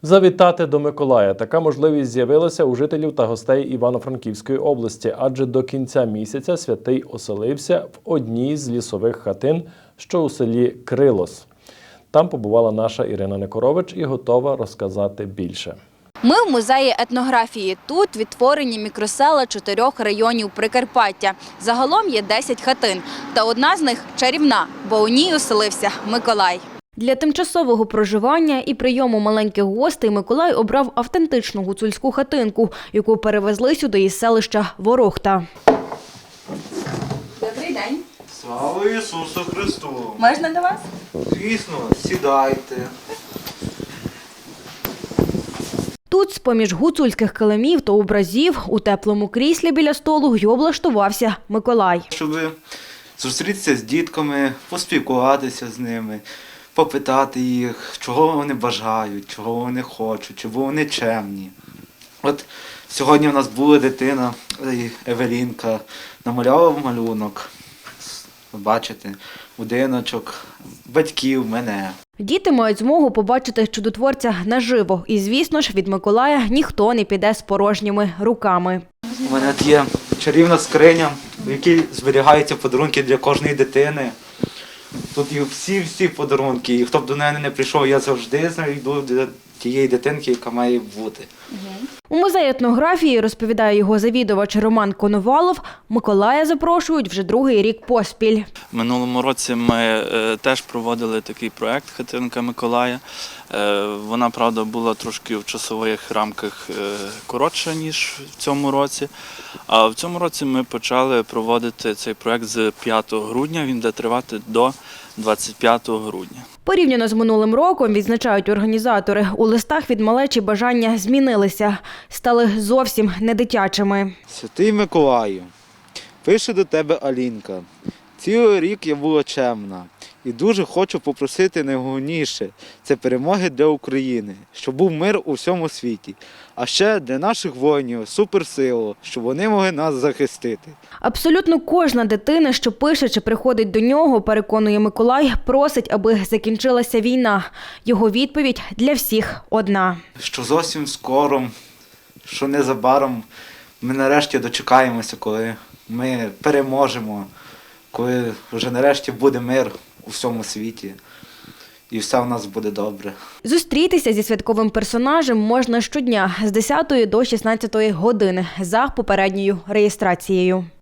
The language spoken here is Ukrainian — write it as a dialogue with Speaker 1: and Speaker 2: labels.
Speaker 1: Завітати до Миколая. Така можливість з'явилася у жителів та гостей Івано-Франківської області, адже до кінця місяця святий оселився в одній з лісових хатин, що у селі Крилос. Там побувала наша Ірина Некорович і готова розказати більше.
Speaker 2: Ми в музеї етнографії. Тут відтворені мікросела 4 районів Прикарпаття. Загалом є 10 хатин. Та одна з них чарівна, бо у ній оселився Миколай. Для тимчасового проживання і прийому маленьких гостей Миколай обрав автентичну гуцульську хатинку, яку перевезли сюди із селища Ворохта. Добрий день.
Speaker 3: Слава Ісусу Христу!
Speaker 2: Можна до вас?
Speaker 3: Звісно, сідайте.
Speaker 2: Тут, з-поміж гуцульських килимів та образів, у теплому кріслі біля столу й облаштувався Миколай.
Speaker 3: Щоб зустрітися з дітками, поспілкуватися з ними, попитати їх, чого вони бажають, чого вони хочуть, чого вони чемні. От сьогодні у нас була дитина, Евелінка, намалювала малюнок. Бачите, будиночок, батьків, мене.
Speaker 2: Діти мають змогу побачити чудотворця наживо. І, звісно ж, від Миколая ніхто не піде з порожніми руками.
Speaker 3: У мене тут є чарівна скриня, в якій зберігаються подарунки для кожної дитини. Тут є всі подарунки, і хто б до мене не прийшов, я завжди знайду для тієї дитинки, яка має бути.
Speaker 2: У музеї етнографії, розповідає його завідувач Роман Коновалов, Миколая запрошують вже другий рік поспіль.
Speaker 4: В минулому році ми теж проводили такий проєкт «Хатинка Миколая». Вона, правда, була трошки в часових рамках коротша, ніж в цьому році. А в цьому році ми почали проводити цей проєкт з 5 грудня, він буде тривати до 25 грудня.
Speaker 2: Порівняно з минулим роком, відзначають організатори, у листах від малечі бажання змінилися, стали зовсім не дитячими.
Speaker 3: Святий Миколаю, пише до тебе Алінка. Цілий рік я була чемна і дуже хочу попросити найголовніше – це перемоги для України, щоб був мир у всьому світі, а ще для наших воїнів суперсилу, щоб вони могли нас захистити.
Speaker 2: Абсолютно кожна дитина, що пише чи приходить до нього, переконує Миколай, просить, аби закінчилася війна. Його відповідь для всіх одна.
Speaker 3: Що зовсім скоро, що незабаром ми нарешті дочекаємося, коли ми переможемо, коли вже нарешті буде мир у всьому світі і все у нас буде добре.
Speaker 2: Зустрітися зі святковим персонажем можна щодня з 10 до 16 години за попередньою реєстрацією.